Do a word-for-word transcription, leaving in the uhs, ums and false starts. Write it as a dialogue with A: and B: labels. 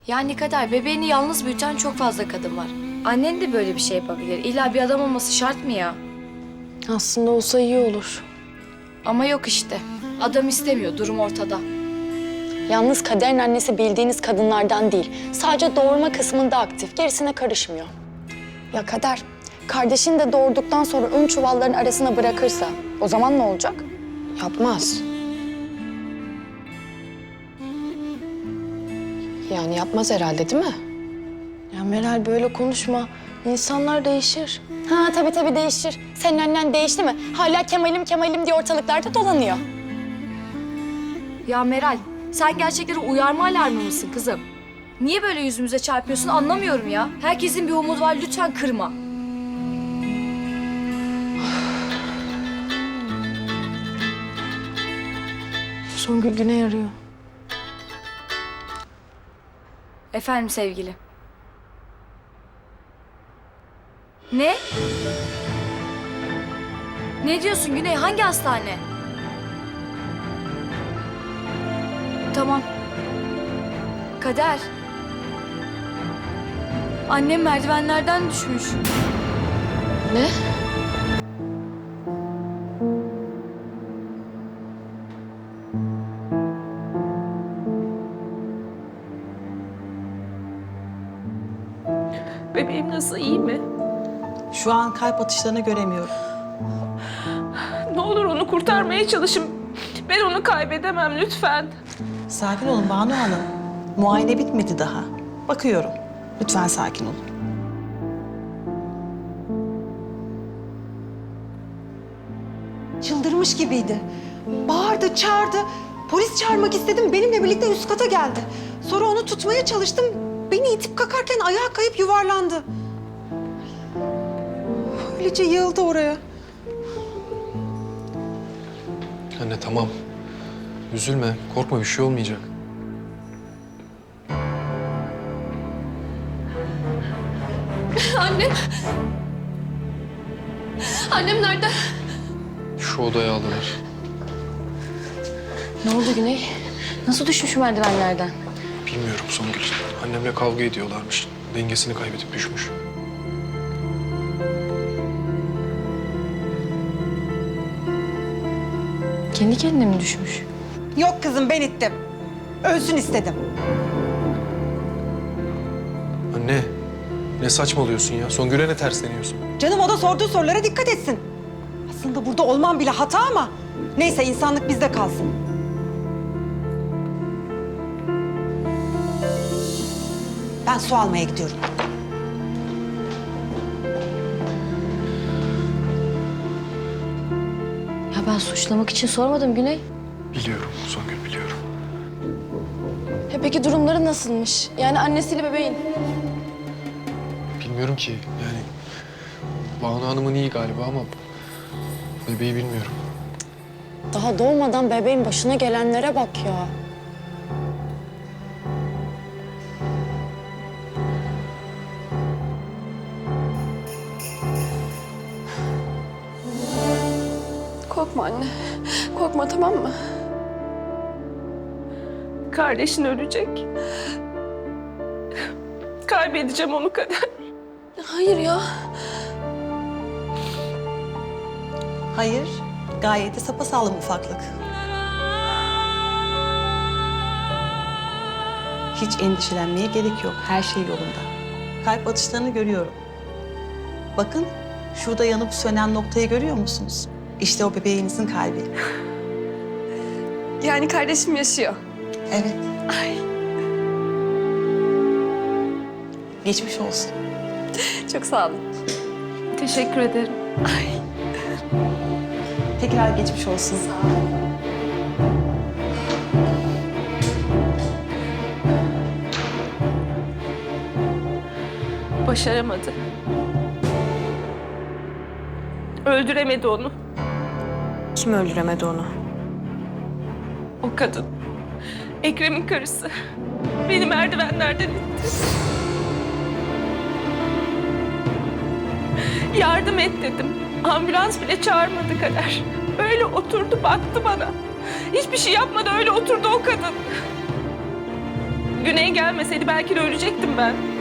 A: Yani Kader, bebeğini yalnız büyüten çok fazla kadın var. Annen de böyle bir şey yapabilir. İlla bir adam olması şart mı ya?
B: Aslında olsa iyi olur.
A: Ama yok işte. Adam istemiyor, durum ortada.
B: Yalnız Kader'in annesi bildiğiniz kadınlardan değil. Sadece doğurma kısmında aktif, gerisine karışmıyor. Ya Kader, kardeşini de doğurduktan sonra ön çuvalların arasına bırakırsa o zaman ne olacak? Yapmaz. Yani yapmaz herhalde değil mi? Ya Meral böyle konuşma. İnsanlar değişir. Ha tabii tabii değişir. Senin annen değişti mi? Hala Kemal'im Kemal'im diye ortalıklarda dolanıyor.
A: Ya Meral, sen gerçekleri uyarma alarmı mısın kızım? Niye böyle yüzümüze çarpıyorsun anlamıyorum ya. Herkesin bir umudu var, lütfen kırma.
B: Songül Güney arıyor.
A: Efendim sevgili. Ne? Ne diyorsun Güney? Hangi hastane? Tamam. Kader. Annem merdivenlerden düşmüş.
B: Ne?
C: Bebeğim nasıl, iyi mi?
D: Şu an kalp atışlarını göremiyorum.
C: Ne olur onu kurtarmaya çalışın. Ben onu kaybedemem lütfen.
D: Sakin olun Banu Hanım. Muayene bitmedi daha. Bakıyorum. Lütfen sakin olun.
E: Çıldırmış gibiydi. Bağırdı, çağırdı. Polis çağırmak istedim. Benimle birlikte üst kata geldi. Sonra onu tutmaya çalıştım. Beni itip kakarken ayağa kayıp yuvarlandı. Öylece yığıldı oraya.
F: Anne tamam. Üzülme, korkma bir şey olmayacak.
G: Annem. Annem nerede?
F: Şu odaya aldılar.
B: Ne oldu Güney? Nasıl düşmüş merdivenlerden?
F: Bilmiyorum Songül. Annemle kavga ediyorlarmış. Dengesini kaybedip düşmüş.
B: Kendi kendine mi düşmüş?
E: Yok kızım, ben ittim. Ölsün istedim.
F: Anne, ne saçmalıyorsun ya? Songül'e ne tersleniyorsun?
E: Canım o da sorduğu sorulara dikkat etsin. Aslında burada olmam bile hata ama... Neyse, insanlık bizde kalsın. Ben su almaya gidiyorum.
B: Ya ben suçlamak için sormadım Güney.
F: Biliyorum Songül, biliyorum.
B: E peki durumları nasılmış? Yani annesiyle bebeğin.
F: Bilmiyorum ki yani... Banu Hanım'ın iyi galiba ama... Bebeği bilmiyorum.
B: Daha doğmadan bebeğin başına gelenlere bak ya.
G: Korkma anne. Korkma, tamam mı?
C: Kardeşin ölecek. Kaybedeceğim onu Kader.
G: Hayır ya.
D: Hayır. Gayet de sapasağlam ufaklık. Hiç endişelenmeye gerek yok. Her şey yolunda. Kalp atışlarını görüyorum. Bakın, şurada yanıp sönen noktayı görüyor musunuz? İşte o bebeğinizin kalbi.
G: Yani kardeşim yaşıyor.
D: Evet.
G: Ay,
D: Geçmiş olsun.
G: çok sağ olun.
C: Teşekkür ederim.
G: Ay.
D: Tekrar geçmiş olsun.
C: Başaramadı. Öldüremedi onu.
B: Kim öldüremedi onu?
C: O kadın. Ekrem'in karısı. Beni merdivenlerden itti. Yardım et dedim. Ambulans bile çağırmadı Kader. Öyle oturdu baktı bana. Hiçbir şey yapmadı, öyle oturdu o kadın. Güney gelmeseydi belki de ölecektim ben.